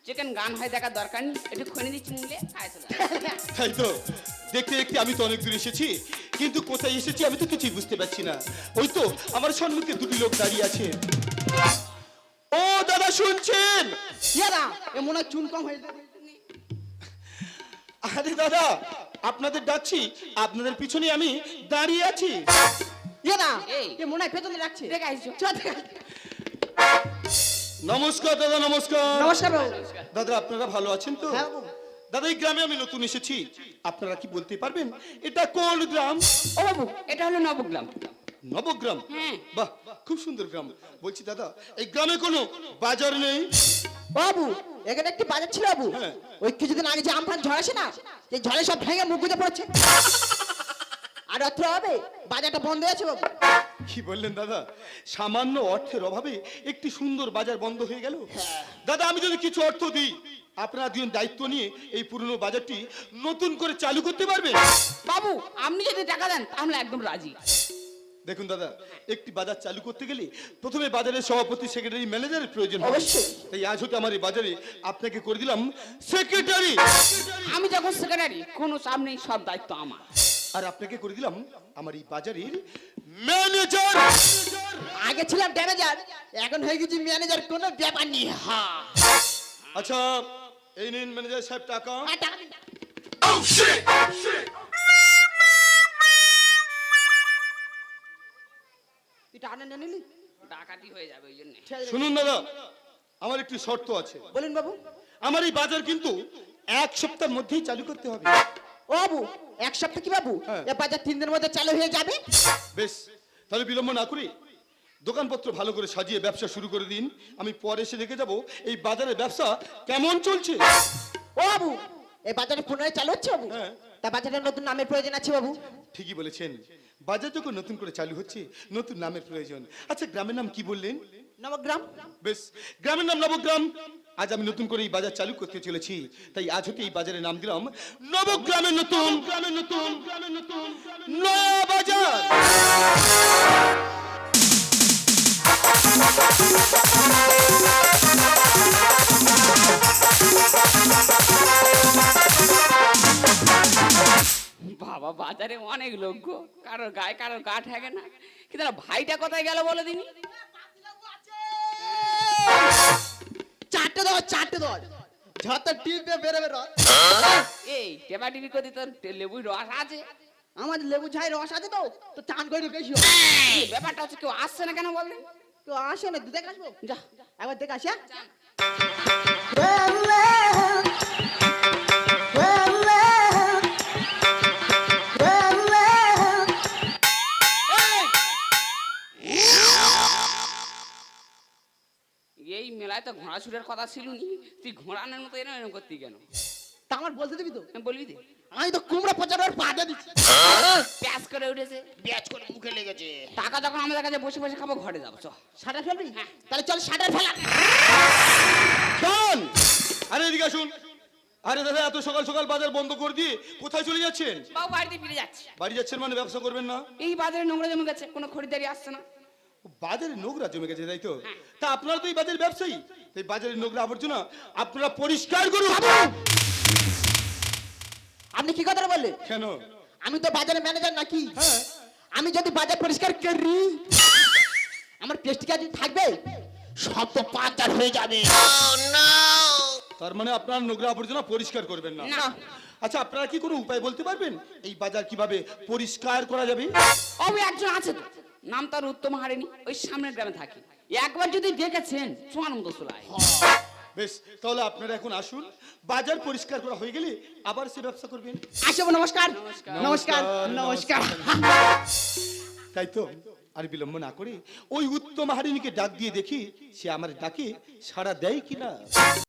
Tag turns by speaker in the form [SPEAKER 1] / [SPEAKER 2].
[SPEAKER 1] Chicken গান হয় দেখার দরকার নেই, একটু খনে দিচ্ছি মুলে খায় চলে
[SPEAKER 2] তাই তো দেখতে দেখতে আমি তো অনেক দূর এসেছি, কিন্তু কোথায় এসেছি আমি তো কিছুই বুঝতে পারছি না। ওই তো আমার সম্মুখে দুটি লোক দাঁড়িয়ে আছে। ও দাদা শুনছেন?
[SPEAKER 3] ইয়াদা এ মনে হয় চুন কম হয়ে যাবে।
[SPEAKER 2] আরে দাদা আপনাদের ডাকছি, আপনাদের পিছনে আমি দাঁড়িয়ে আছি।
[SPEAKER 3] ইয়াদা
[SPEAKER 1] এই।
[SPEAKER 3] এ মনে হয় পেছনে রাখছে।
[SPEAKER 1] দেখে আসছো।
[SPEAKER 3] চল দেখ।
[SPEAKER 2] নমস্কার দাদা, নমস্কার।
[SPEAKER 3] নমস্কার বাবু।
[SPEAKER 2] দাদা আপনারা ভালো আছেন তো?
[SPEAKER 3] হ্যাঁ বাবু।
[SPEAKER 2] দাদা এই গ্রামে আমি নতুন এসেছি, আপনারা কি বলতে পারবেন এটা কোন গ্রাম?
[SPEAKER 1] ও বাবু, এটা হলো নবগ্রাম।
[SPEAKER 2] নবগ্রাম?
[SPEAKER 1] হ্যাঁ।
[SPEAKER 2] বাহ, খুব সুন্দর গ্রাম। বলছি দাদা এই গ্রামে কোনো বাজার নেই?
[SPEAKER 3] বাবু এখানে একটি বাজার ছিল বাবু।
[SPEAKER 2] হ্যাঁ।
[SPEAKER 3] ওই কিছুদিন আগে যে আমফান ঝড় আসে না, এই ঝড়ে সব ভেঙে মুখ গুঁজে পড়েছে। আর অর্থ হবে বাজারটা বন্ধ হয়েছে বাবু।
[SPEAKER 2] কি বললেন দাদা? সামান্য অর্থের অভাবে একটি সুন্দর বাজার বন্ধ হয়ে গেল? দাদা আমি যদি কিছু অর্থ দিই, আপনারা দুজন দায়িত্ব নিয়ে এই পুরনো বাজারটি নতুন করে চালু করতে পারবেন?
[SPEAKER 1] বাবু আপনি যদি টাকা দেন তাহলে একদম রাজি।
[SPEAKER 2] দেখুন দাদা, একটি বাজার চালু করতে গেলে প্রথমে বাজারের সভাপতি, সেক্রেটারি, ম্যানেজারের প্রয়োজন হয়।
[SPEAKER 3] অবশ্যই।
[SPEAKER 2] তাই আজ হতে আমার এই বাজারে আপনাকে করে দিলাম সেক্রেটারি।
[SPEAKER 1] আমি যখন সেক্রেটারি কোনো চাপ নেই, সব দায়িত্ব আমার।
[SPEAKER 2] আর আপনাকে করে দিলাম আমার এই বাজারের ম্যানেজার।
[SPEAKER 3] আগে ছিলাম ম্যানেজার, এখন হয়ে গেছি ম্যানেজার, কোনো ব্যাপার নেই। হ্যাঁ।
[SPEAKER 2] আচ্ছা এই নিন ম্যানেজার সাহেব টাকা।
[SPEAKER 3] হ্যাঁ, টাকা দিন। তুই টাকা নিয়ে নিলি?
[SPEAKER 1] ডাকাতি হয়ে যাবে ওই জন্য।
[SPEAKER 2] শুনুন দাদা, আমার একটি শর্ত আছে।
[SPEAKER 3] বলুন বাবু।
[SPEAKER 2] আমার এই বাজার কিন্তু এক সপ্তাহের মধ্যেই চালু করতে হবে।
[SPEAKER 3] ও বাবু এক সপ্তাহ কি বাবু?
[SPEAKER 2] হ্যাঁ।
[SPEAKER 3] এ বাজার 3 দিনের মধ্যে চালু হয়ে যাবে।
[SPEAKER 2] বেশ, তাহলে বিলম্ব না করি দোকানপত্র ভালো করে সাজিয়ে ব্যবসা শুরু করে দিন। আমি পরে এসে দেখে যাব এই বাজারের ব্যবসা কেমন চলছে।
[SPEAKER 3] ও বাবু এই বাজারে পুনরায় চালু হচ্ছে বাবু?
[SPEAKER 2] হ্যাঁ।
[SPEAKER 3] তা বাজারের নতুন নামের প্রয়োজন আছে বাবু।
[SPEAKER 2] ঠিকই বলেছেন, বাজার যখন নতুন করে চালু হচ্ছে নতুন নামের প্রয়োজন। আচ্ছা গ্রামের নাম কি বললেন?
[SPEAKER 3] নবগ্রাম।
[SPEAKER 2] বেশ, গ্রামের নাম নবগ্রাম। আজ আমি নতুন করে এই বাজার চালু করতে চলেছি, তাই আজ হতে এই বাজারের নাম দিলাম নবগ্রামের নতুন নয়া বাজার।
[SPEAKER 1] বাবা বাজারে অনেক লোক গো, কারোর গায়ে কারোর গা ঠেকে না। কিন্তু না, ভাইটা কোথায় গেল বলে দিনি।
[SPEAKER 3] চারটে দাও, চারটে দাও। যত টিপে বেরোবে রস।
[SPEAKER 1] এই টেবা টিভি করে তোর লেবুর রস আছে।
[SPEAKER 3] আমার লেবু ঝাই রস আছে তো, তো চান করে বেশি।
[SPEAKER 1] এই ব্যাপারটা হচ্ছে কেউ আসছে না কেন বললেন?
[SPEAKER 3] তো আসো না, দুধে আসবো।
[SPEAKER 1] যা
[SPEAKER 3] একবার দেখে আসি। হ্যাঁ?
[SPEAKER 1] এই মেলায় তো ঘোড়া ছুটের কথা ছিল নি, তুই ঘোড়ানোর মতো এরকম এরকম করতি কেন?
[SPEAKER 3] তা আমার বলতে দিবি তো?
[SPEAKER 1] বলবি দে।
[SPEAKER 3] আমি তো কুমড়া পচানোর পাটা দিচ্ছি।
[SPEAKER 1] প্যাস করে উঠেছে,
[SPEAKER 3] ব্যাচ করে মুখে লেগেছে।
[SPEAKER 1] টাকা যখন আমাদের কাছে বসে বসে খাবো, ঘরে যাবো চ।
[SPEAKER 3] শাটার ফেলবি? তাহলে চল শাটার ফেলা।
[SPEAKER 2] শোন, আরে এদিকে আসুন। আরে দাদা এত সকাল সকাল বাজার বন্ধ করে দিয়ে কোথায় চলে যাচ্ছেন?
[SPEAKER 1] বাবু বাড়িতে ফিরে যাচ্ছে।
[SPEAKER 2] বাড়ি যাচ্ছেন মানে ব্যবসা করবেন না?
[SPEAKER 1] এই বাজারে নোংরা জমে গেছে, কোনো খরিদারি আসছে না।
[SPEAKER 2] বাজারে নোংরা জমে গেছে তাই তো? তা আপনারা তো এই বাজারের ব্যবসায়ী, তাই বাজারের নোংরা আবর্জনা আপনারা পরিষ্কার করুন।
[SPEAKER 3] আপনি কি কথা বললেন?
[SPEAKER 2] কেন?
[SPEAKER 3] আমি তো বাজারের ম্যানেজার নাকি?
[SPEAKER 2] হ্যাঁ।
[SPEAKER 3] আমি যদি বাজার পরিষ্কার করি আমার পেস্ট কাজ থাকবে, সব তো পাচার হয়ে যাবে।
[SPEAKER 2] তার মানে আপনারা নোংরা আবর্জনা পরিষ্কার করবেন না?
[SPEAKER 1] না।
[SPEAKER 2] আচ্ছা আপনারা কি কোনো উপায় বলতে পারবেন এই বাজার কিভাবে পরিষ্কার করা যাবে?
[SPEAKER 1] ওই একজন আছে তো, নাম তার উত্তম হারেনি, ওই সামনের গ্রামে থাকে। একবার যদি দেখেছেন চুয়ানন্দ চুলায়।
[SPEAKER 2] বেশ, তাহলে আপনারা এখন আসুন, বাজার পরিষ্কার করা হয়ে গেলে আবার সে ব্যবসা করবেন।
[SPEAKER 3] আসবো। নমস্কার নমস্কার নমস্কার।
[SPEAKER 2] তাই তো আর বিলম্ব না করে ওই উত্তম হারিণীকে ডাক দিয়ে দেখি সে আমার ডাকে সাড়া দেয় কিনা।